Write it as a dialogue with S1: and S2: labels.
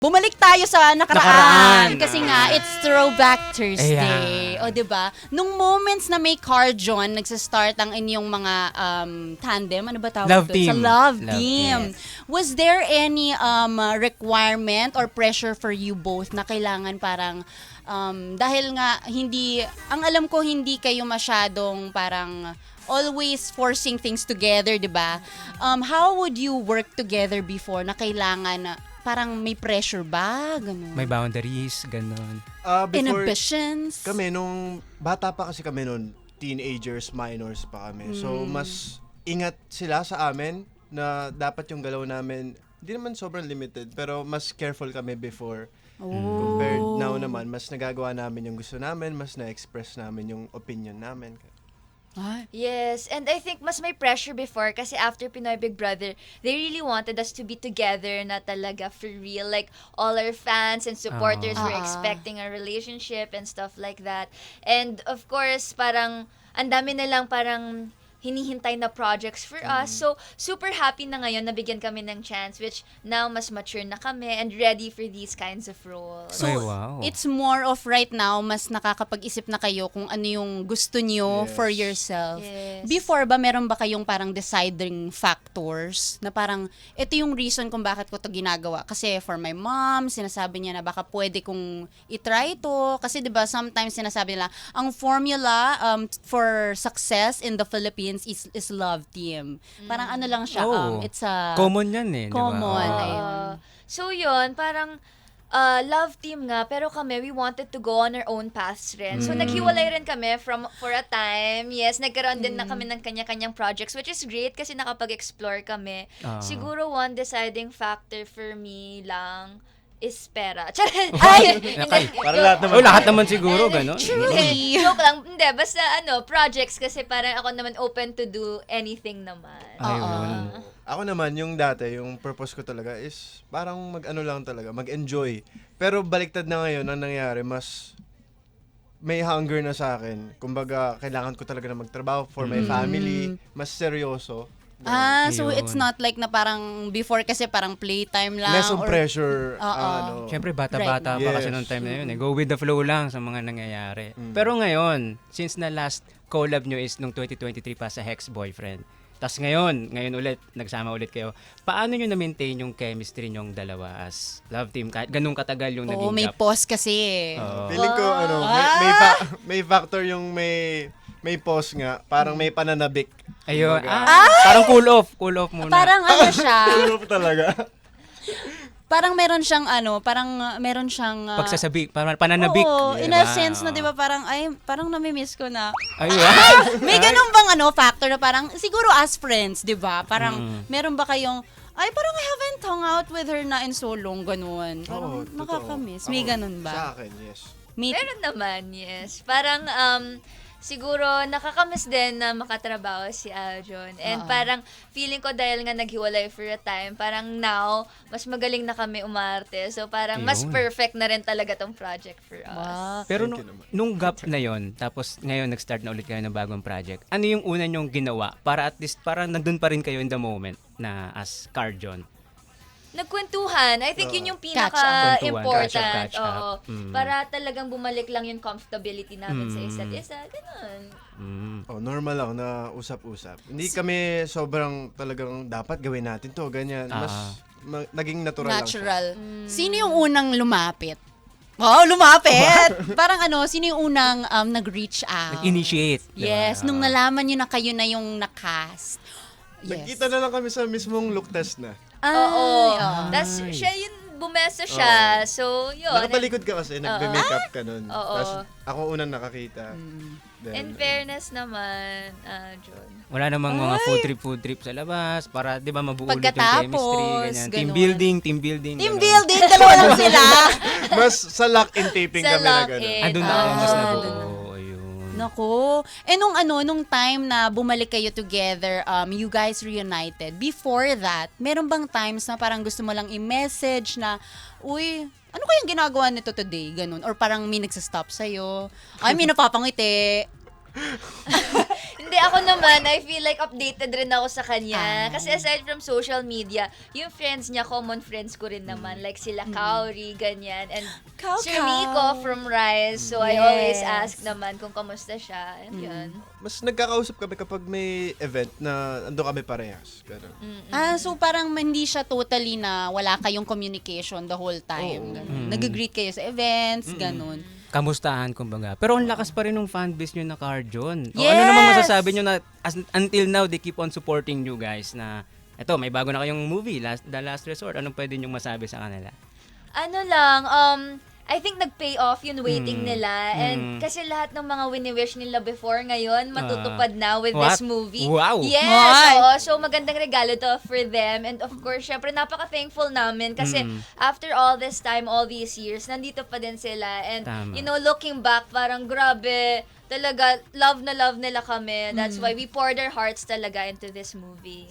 S1: Bumalik tayo sa nakaraan.
S2: Nakaraan.
S1: Kasi nga, it's Throwback Thursday.
S2: Ayan.
S1: O, diba? Nung moments na may Carl John, nagsastart ang inyong mga tandem, ano ba tawag
S2: Love
S1: doon?
S2: team.
S1: Sa love
S2: Love
S1: team. Was there any requirement or pressure for you both na kailangan parang, dahil nga, hindi, ang alam ko, hindi kayo masyadong parang always forcing things together, diba? How would you work together before na kailangan parang may pressure ba? Ganun.
S2: May boundaries, ganun.
S3: Before
S1: Inhibitions?
S3: kami, nung bata pa kasi kami nun, teenagers, minors pa kami. So, mas ingat sila sa amin na dapat yung galaw namin, hindi naman sobrang limited, pero mas careful kami before. Compared now naman, mas nagagawa namin yung gusto namin, mas na-express namin yung opinion namin.
S1: Ay.
S4: Yes, and I think mas may pressure before kasi after Pinoy Big Brother, they really wanted us to be together na talaga for real. Like, all our fans and supporters were expecting a relationship and stuff like that. And of course, parang, ang dami nilang parang hinihintay na projects for us. So, super happy na ngayon na bigyan kami ng chance, which now mas mature na kami and ready for these kinds of roles.
S1: So,
S2: Ay, wow.
S1: it's more of right now, mas nakakapag-isip na kayo kung ano yung gusto nyo
S3: Yes.
S1: for yourself.
S4: Yes.
S1: Before ba, meron ba kayong parang deciding factors na parang, ito yung reason kung bakit ko to ginagawa. Kasi for my mom, sinasabi niya na baka pwede kong itry ito. Kasi 'di ba sometimes sinasabi nila, ang formula for success in the Philippines is love team. Parang ano lang siya,
S2: Oo.
S1: it's a
S2: Common yan eh, di ba?
S1: common.
S2: Oo.
S1: Ayun.
S4: So yun, parang love team nga, pero kami, we wanted to go on our own paths rin. So naghiwalay rin kami for a time. Yes, nagkaroon din na kami ng kanya-kanyang projects, which is great kasi nakapag-explore kami. Siguro one deciding factor for me lang is pera. Ay!
S3: Para lahat naman.
S2: Oh, lahat naman siguro, gano'n.
S4: Hindi, joke lang. Hindi, basta projects kasi parang ako naman open to do anything naman.
S2: Ayun.
S3: Ako naman, yung dati, yung purpose ko talaga is parang mag-ano lang talaga, mag-enjoy. Pero baliktad na ngayon, ang nangyari, mas may hunger na sa akin. Kumbaga, kailangan ko talaga na magtrabaho for my family, mas seryoso.
S1: So
S2: Ayun.
S1: it's not like na parang before kasi parang playtime lang.
S3: Less of
S1: or-
S3: pressure.
S1: Oo.
S2: Siyempre, bata-bata
S3: Right.
S2: pa kasi
S3: Yes.
S2: nung time na yun. Eh. Go with the flow lang sa mga nangyayari. Pero ngayon, since na last collab nyo is nung 2023 pa sa Hex Boyfriend, tas ngayon ulit, nagsama ulit kayo, paano nyo na-maintain yung chemistry nyong dalawa as love team? Kahit ganun katagal yung
S1: Oo,
S2: naging
S1: may
S2: gap.
S1: pause kasi eh.
S2: Oo.
S3: Feeling ko, may factor yung may pause nga, parang may pananabik.
S2: Ayun. Parang cool off muna.
S1: Parang ano siya,
S3: Pero talaga.
S1: parang meron siyang meron siyang
S2: Pagsasabi, parang pananabik.
S1: Oo, in
S2: Diba?
S1: a sense na 'di ba parang parang nami-miss ko na.
S2: Ayun.
S1: May ganun bang factor na parang siguro as friends, 'di ba? Parang meron ba kayong parang I haven't hung out with her na in so long, ganun. Parang
S3: Oo, totoo.
S1: nakakamiss. May
S3: Ako,
S1: ganun
S3: Sa
S1: ba?
S3: akin, yes.
S4: Meron naman, yes. Parang, siguro, nakakamiss din na makatrabaho si Aljon. And parang, feeling ko dahil nga naghiwalay for a time, parang now, mas magaling na kami umarte. So, parang mas
S2: Ayun.
S4: perfect na rin talaga tong project for us.
S1: Wow.
S2: Pero
S3: Thank you naman.
S2: nung gap na yon, tapos ngayon nag-start na ulit kayo ng bagong project, ano yung una nyong ginawa para at least, para nandun pa rin kayo in the moment na as Carjon?
S4: Nagkwentuhan. I think yun yung
S1: Catch up.
S4: pinaka-important.
S2: Catch up.
S4: Oo. Para talagang bumalik lang yung comfortability namin sa isa't isa. Ganun.
S3: Normal lang na usap-usap. Hindi kami sobrang talagang dapat gawin natin to, ganyan. Mas naging natural, lang siya.
S1: Natural. Sino yung unang lumapit? Wow, lumapit! Parang sino yung unang nag-reach out?
S2: Nag-initiate. diba?
S1: Yes, nung nalaman nyo na kayo na yung nakast. Yes.
S3: Nagkita na lang kami sa mismong look test na.
S4: Oo. Tapos siya yun, bumesa siya. So, yun.
S3: Nakatalikod ka kasi, nagbe-makeup ka nun.
S4: Oo.
S3: Tapos ako unang nakakita. Then,
S4: In fairness naman, John.
S2: Wala namang mga food trip sa labas para 'di ba mabuo ulit yung
S1: Pagkatapos,
S2: chemistry, ganyan. Team
S1: ganun.
S2: building.
S1: Team
S2: ganun.
S1: building, dalawa lang sila.
S3: mas sa lock-in taping
S4: Sa
S3: kami na
S4: lock-in.
S3: gano'n.
S2: Andun na kayo mas
S4: Ah.
S2: nabuo. Ayun.
S1: Nako. Nung time na bumalik kayo together, you guys reunited, before that, meron bang times na parang gusto mo lang i-message na, uy, ano kayang ginagawa nito today? Ganun. Or parang may nagsastop sa'yo. Ay, may napapangiti.
S4: Hindi, ako naman, I feel like updated rin ako sa kanya. Kasi aside from social media, yung friends niya, common friends ko rin naman. Like sila Kauri, ganyan. And Sir Miko from Rise. So I always ask naman kung kamusta siya. And yun.
S3: Mas nagkakausap kami kapag may event na ando kami parehas. Ganun.
S1: So parang hindi siya totally na wala kayong communication the whole time. Ganun. Nag-greet kayo sa events, ganun.
S2: Kamustahan, kumbaga. Pero ang lakas pa rin ng fanbase nyo na Carjon. O,
S1: Yes!
S2: ano namang masasabi nyo na until now, they keep on supporting you guys na eto, may bago na kayong movie, The Last Resort. Anong pwede nyo masabi sa kanila?
S4: Ano lang, I think nag-pay off yung waiting nila. And kasi lahat ng mga wini-wish nila before ngayon, matutupad na with
S2: What?
S4: this movie.
S2: Wow!
S4: Yes!
S1: What?
S4: Oo. So, magandang regalo to for them. And of course, syempre, napaka-thankful namin kasi after all this time, all these years, nandito pa din sila. And,
S2: Tama.
S4: you know, looking back, parang grabe, talaga, love na love nila kami. That's why we poured our hearts talaga into this movie.